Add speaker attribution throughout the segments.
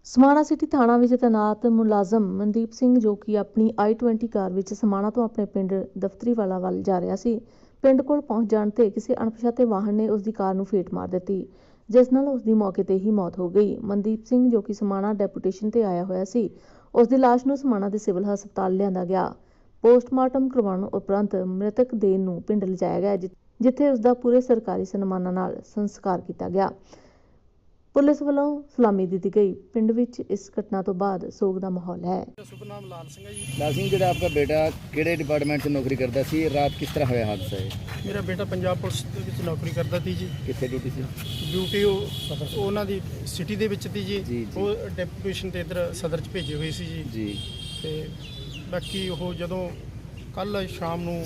Speaker 1: Samana city ਥਾਣਾ ਵਿੱਚ ਤੈਨਾਤ ਮੁਲਾਜ਼ਮ ਮਨਦੀਪ ਸਿੰਘ ਜੋ ਕਿ ਆਪਣੀ i20 ਕਾਰ ਵਿੱਚ ਸਮਾਣਾ ਤੋਂ ਆਪਣੇ ਪਿੰਡ ਦਫਤਰੀਵਾਲਾ ਵੱਲ ਜਾ ਰਿਹਾ ਸੀ। ਪਿੰਡ ਕੋਲ ਪਹੁੰਚ ਜਾਣ ਤੇ ਕਿਸੇ ਅਣਪਛਾਤੇ ਵਾਹਨ ਨੇ ਉਸ ਦੀ ਕਾਰ ਨੂੰ ਫੇਟ ਮਾਰ ਦਿੱਤੀ, ਜਿਸ ਨਾਲ ਉਸ ਦੀ ਮੌਕੇ ਤੇ ਹੀ ਮੌਤ ਹੋ ਗਈ। ਮਨਦੀਪ ਸਿੰਘ ਜੋ ਕਿ ਸਮਾਣਾ ਡੈਪੂਟੇਸ਼ਨ ਤੇ ਆਇਆ ਹੋਇਆ ਸੀ, ਉਸ ਦੀ ਲਾਸ਼ ਨੂੰ ਸਮਾਣਾ ਦੇ ਸਿਵਲ ਹਸਪਤਾਲ ਲਿਆਂਦਾ ਗਿਆ। ਪੋਸਟਮਾਰਟਮ ਕਰਵਾਉਣ ਉਪਰੰਤ ਮ੍ਰਿਤਕ ਦੇਹ ਨੂੰ ਪਿੰਡ ਲਿਜਾਇਆ ਗਿਆ, ਜਿੱਥੇ ਉਸ ਦਾ ਪੂਰੇ ਸਰਕਾਰੀ ਸਨਮਾਨਾਂ ਨਾਲ ਸੰਸਕਾਰ ਕੀਤਾ ਗਿਆ। ਪੁਲਿਸ ਵੱਲੋਂ ਸਲਾਮੀ ਦਿੱਤੀ गई। पिंड विच इस घटना तो बाद सोग का माहौल है।
Speaker 2: शुभ नाम लाल सिंह है जी।
Speaker 3: लाल सिंह जी, आपका बेटा किहड़े डिपार्टमेंट से नौकरी करता सी? रात किस तरह होया हादसा है?
Speaker 2: मेरा बेटा पंजाब पुलिस ਦੇ ਵਿੱਚ ਨੌਕਰੀ ਕਰਦਾ ਸੀ ਜੀ।
Speaker 3: कित्थे ड्यूटी सी?
Speaker 2: ਡਿਊਟੀ ਉਹਨਾਂ ਦੀ ਸਿਟੀ ਦੇ ਵਿੱਚ ਸੀ ਜੀ। ਉਹ ਡੈਪੂਟੇਸ਼ਨ ਤੇ ਇੱਧਰ ਸਦਰ ਚ ਭੇਜੇ ਹੋਏ ਸੀ ਜੀ। ਤੇ ਬਾਕੀ ਉਹ ਜਦੋਂ ਕੱਲ ਸ਼ਾਮ ਨੂੰ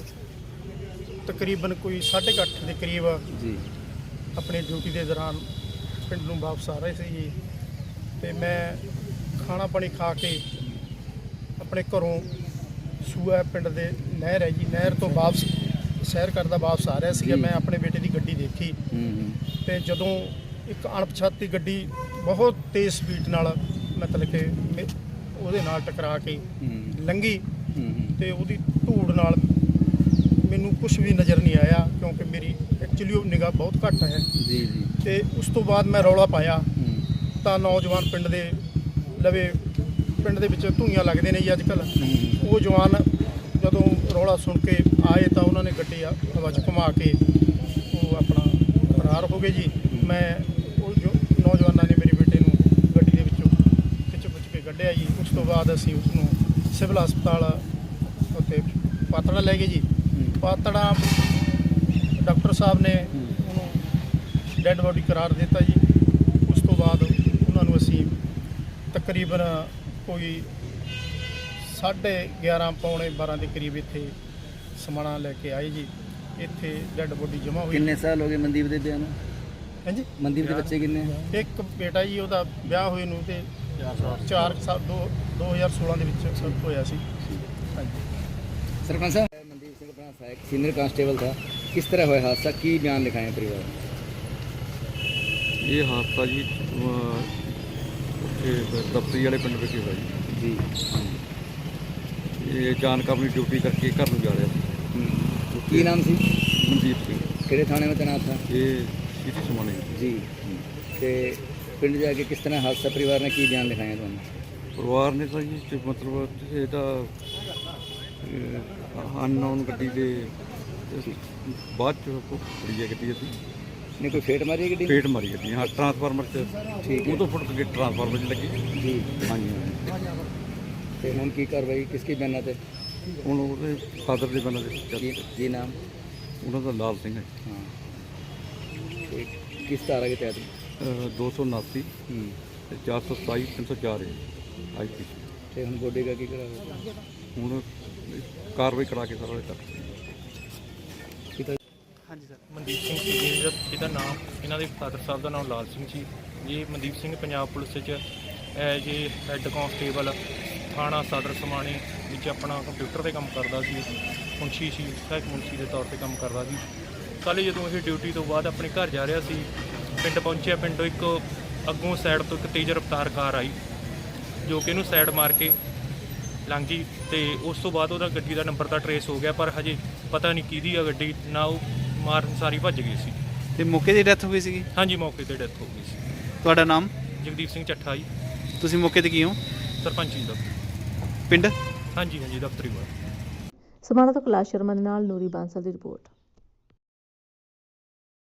Speaker 2: ਤਕਰੀਬਨ ਕੋਈ 8:30 ਦੇ ਕਰੀਬ ਜੀ ਆਪਣੀ ਡਿਊਟੀ ਦੇ ਦੌਰਾਨ ਪਿੰਡ ਨੂੰ ਵਾਪਸ ਆ ਰਹੇ ਸੀ ਜੀ। ਤੇ ਮੈਂ ਖਾਣਾ ਪਾਣੀ ਖਾ ਕੇ ਆਪਣੇ ਘਰੋਂ ਸੂਆ ਪਿੰਡ ਦੇ ਨਹਿਰ ਹੈ ਜੀ, ਨਹਿਰ ਤੋਂ ਵਾਪਸ ਸੈਰ ਕਰਦਾ ਵਾਪਸ ਆ ਰਿਹਾ ਸੀਗਾ। ਮੈਂ ਆਪਣੇ ਬੇਟੇ ਦੀ ਗੱਡੀ ਦੇਖੀ ਤੇ ਜਦੋਂ ਇੱਕ ਅਣਪਛਾਤੀ ਗੱਡੀ ਬਹੁਤ ਤੇਜ਼ ਸਪੀਡ ਨਾਲ ਮਤਲਬ ਕਿ ਉਹਦੇ ਨਾਲ ਟਕਰਾ ਕੇ ਲੰਘੀ ਤੇ ਉਹਦੀ ਧੂੜ ਨਾਲ ਮੈਨੂੰ ਕੁਝ ਵੀ ਨਜ਼ਰ ਨਹੀਂ ਆਇਆ, ਕਿਉਂਕਿ ਮੇਰੀ ਐਕਚੁਅਲੀ ਉਹ ਨਿਗਾਹ ਬਹੁਤ ਘੱਟ ਹੈ ਜੀ। ਤੇ ਉਸ ਤੋਂ ਬਾਅਦ ਮੈਂ ਰੌਲਾ ਪਾਇਆ ਤਾਂ ਨੌਜਵਾਨ ਪਿੰਡ ਦੇ ਲਵੇ ਪਿੰਡ ਦੇ ਵਿੱਚ ਧੂਈਆਂ ਲੱਗਦੇ ਨੇ ਜੀ ਅੱਜ ਕੱਲ੍ਹ। ਉਹ ਜਵਾਨ ਜਦੋਂ ਰੌਲਾ ਸੁਣ ਕੇ ਆਏ ਤਾਂ ਉਹਨਾਂ ਨੇ ਗੱਡੀ ਹਵਾ 'ਚ ਘੁਮਾ ਕੇ ਉਹ ਆਪਣਾ ਫਰਾਰ ਹੋ ਗਏ ਜੀ। ਮੈਂ ਉਹ ਜੋ ਨੌਜਵਾਨਾਂ ਨੇ ਮੇਰੇ ਬੇਟੇ ਨੂੰ ਗੱਡੀ ਦੇ ਵਿੱਚੋਂ ਖਿੱਚ ਕੇ ਕੱਢਿਆ ਜੀ। ਉਸ ਤੋਂ ਬਾਅਦ ਅਸੀਂ ਉਸ ਨੂੰ ਸਿਵਲ ਹਸਪਤਾਲ ਉੱਤੇ ਪਾਤੜਾ ਲੈ ਗਏ ਜੀ। ਪਾਤੜਾ ਡਾਕਟਰ ਸਾਹਿਬ ਨੇ ਉਹਨੂੰ ਡੈੱਡ ਬੋਡੀ ਕਰਾਰ ਦਿੱਤਾ ਜੀ। ਉਸ ਤੋਂ ਬਾਅਦ ਉਹਨਾਂ ਨੂੰ ਅਸੀਂ ਤਕਰੀਬਨ ਕੋਈ 11:30 ਪੌਣੇ 12 ਦੇ ਕਰੀਬ ਇੱਥੇ ਸਮਾਣਾ ਲੈ ਕੇ ਆਏ ਜੀ। ਇੱਥੇ ਡੈੱਡ ਬੋਡੀ ਜਮ੍ਹਾਂ ਹੋਈ।
Speaker 3: ਕਿੰਨੇ ਸਾਲ ਹੋ ਗਏ ਮਨਦੀਪ ਦੇ ਵਿਆਹ ਨੂੰ?
Speaker 2: ਹਾਂਜੀ,
Speaker 3: ਮਨਦੀਪ ਦੇ ਬੱਚੇ ਕਿੰਨੇ?
Speaker 2: ਇੱਕ ਬੇਟਾ ਜੀ, ਉਹਦਾ ਵਿਆਹ ਹੋਏ ਨੂੰ ਤੇ 4 ਸਾਲ 2016 ਦੇ ਵਿੱਚ ਹੋਇਆ ਸੀ। ਹਾਂਜੀ।
Speaker 3: सरपंच साहब, मनदीप सिंह अपना सहायक सीनियर कांस्टेबल था, किस तरह हुआ हादसा, की बयान लिखाएं परिवार?
Speaker 4: ये हादसा जी दफ्तरी वाले पिंड में होया जी। ये अचानक अपनी ड्यूटी करके घर में जा रहा था।
Speaker 3: की नाम सी?
Speaker 4: मनदीप सिंह।
Speaker 3: किहड़े थाने में तैनात था?
Speaker 4: ये सिटी समाने
Speaker 3: जी। ते पिंड जाके किस तरह हादसा, परिवार ने की बयान लिखाया तुहानू?
Speaker 4: परिवार ने तो जी मतलब ਇਹਦਾ ਅਨਨੋਨ ਗੱਡੀ ਦੇ ਬਾਅਦ ਚ ਫੜੀ ਹੈ ਗੱਡੀ। ਅਸੀਂ
Speaker 3: ਨੇ ਕੋਈ ਫੇਟ ਮਾਰੀ ਗੱਡੀ?
Speaker 4: ਫੇਟ ਮਾਰੀ ਗੱਡੀ, ਹਾਂ, ਟਰਾਂਸਫਾਰਮਰ ਚ।
Speaker 3: ਠੀਕ ਹੈ।
Speaker 4: ਉਹ ਤੋਂ ਫੁੱਟ ਕੇ ਟਰਾਂਸਫਾਰਮਰ ਚ ਲੱਗੀ
Speaker 3: ਜੀ।
Speaker 4: ਹਾਂਜੀ।
Speaker 3: ਤੇ ਹੁਣ ਕੀ ਕਾਰਵਾਈ ਕਿਸਕੀ ਬਿਆਨਾਂ ਤੇ?
Speaker 4: ਹੁਣ ਉਹਦੇ ਫਾਦਰ ਦੇ ਬੰਦੇ ਦੇ
Speaker 3: ਕੀ ਨਾਮ
Speaker 4: ਉਹਨਾਂ ਦਾ? ਲਾਲ ਸਿੰਘ ਹੈ।
Speaker 3: ਹਾਂ। ਤੇ ਕਿਸ ਧਾਰਾ ਦੇ ਤਹਿਤ?
Speaker 4: 279 ਤੇ 427 304 ਹੈ IPC।
Speaker 3: ਤੇ ਹੁਣ ਬੋਡੀ ਦਾ ਕੀ ਕਰਾਂਗੇ?
Speaker 4: ਹੁਣ ਕਾਰਵਾਈ ਕਰਾ ਕੇ ਸਾਰਾ ਕਰ।
Speaker 2: ਹਾਂਜੀ ਸਰ, ਮਨਦੀਪ ਸਿੰਘ ਸੀ ਜੀ ਇਹਦਾ ਨਾਮ। ਇਹਨਾਂ ਦੇ ਫਾਦਰ ਸਾਹਿਬ ਦਾ ਨਾਮ ਲਾਲ ਸਿੰਘ ਸੀ ਜੀ। ਮਨਦੀਪ ਸਿੰਘ ਪੰਜਾਬ ਪੁਲਿਸ ਵਿੱਚ ਐਜ ਏ ਹੈੱਡ ਕਾਂਸਟੇਬਲ ਥਾਣਾ ਸਦਰ ਸਮਾਣੇ ਵਿੱਚ ਆਪਣਾ ਕੰਪਿਊਟਰ 'ਤੇ ਕੰਮ ਕਰਦਾ ਸੀ। ਮੁਨਸ਼ੀ ਸੀ, ਸਹਾਇਕ ਮੁਨਸ਼ੀ ਦੇ ਤੌਰ 'ਤੇ ਕੰਮ ਕਰਦਾ ਸੀ। ਕੱਲ੍ਹ ਜਦੋਂ ਇਹ ਡਿਊਟੀ ਤੋਂ ਬਾਅਦ ਆਪਣੇ ਘਰ ਜਾ ਰਿਹਾ ਸੀ, ਪਿੰਡ ਪਹੁੰਚਿਆ। ਪਿੰਡੋਂ ਇੱਕ ਅੱਗੋਂ ਸਾਈਡ ਤੋਂ ਇੱਕ ਤੇਜ਼ ਰਫ਼ਤਾਰ ਕਾਰ ਆਈ ਜੋ ਕਿ ਇਹਨੂੰ ਸਾਈਡ ਮਾਰ ਕੇ ਲੰਘ ਗਈ। ਤੇ ਉਸ ਤੋਂ ਬਾਅਦ ਉਹਦਾ ਗੱਡੀ ਦਾ ਨੰਬਰ ਤਾਂ ਟਰੇਸ ਹੋ ਗਿਆ, ਪਰ ਹਜੇ ਪਤਾ ਨਹੀਂ ਕਿਹਦੀ ਆ ਗੱਡੀ ਨਾ। ਉਹ ਮਾਰਨ ਸਾਰੀ ਭੱਜ ਗਈ ਸੀ।
Speaker 5: ਤੇ ਮੌਕੇ ਤੇ ਡੈਥ ਹੋ ਗਈ ਸੀਗੀ?
Speaker 2: ਹਾਂਜੀ, ਮੌਕੇ ਤੇ ਡੈਥ ਹੋ ਗਈ ਸੀ।
Speaker 5: ਤੁਹਾਡਾ ਨਾਮ?
Speaker 2: ਜਗਦੀਪ ਸਿੰਘ ਚੱਠਾ ਜੀ।
Speaker 5: ਤੁਸੀਂ ਮੌਕੇ ਤੇ ਕੀ ਹੋ?
Speaker 2: ਸਰਪੰਚੀ ਦਾ
Speaker 5: ਪਿੰਡ?
Speaker 2: ਹਾਂਜੀ, ਦਫ਼ਤਰੀ ਵਾਲਾ।
Speaker 1: ਸਮਾਣਾ ਤੋਂ ਕੈਲਾਸ਼ ਸ਼ਰਮਾ ਦੇ ਨਾਲ ਨੂਰੀ ਬਾਂਸਲ ਦੀ ਰਿਪੋਰਟ।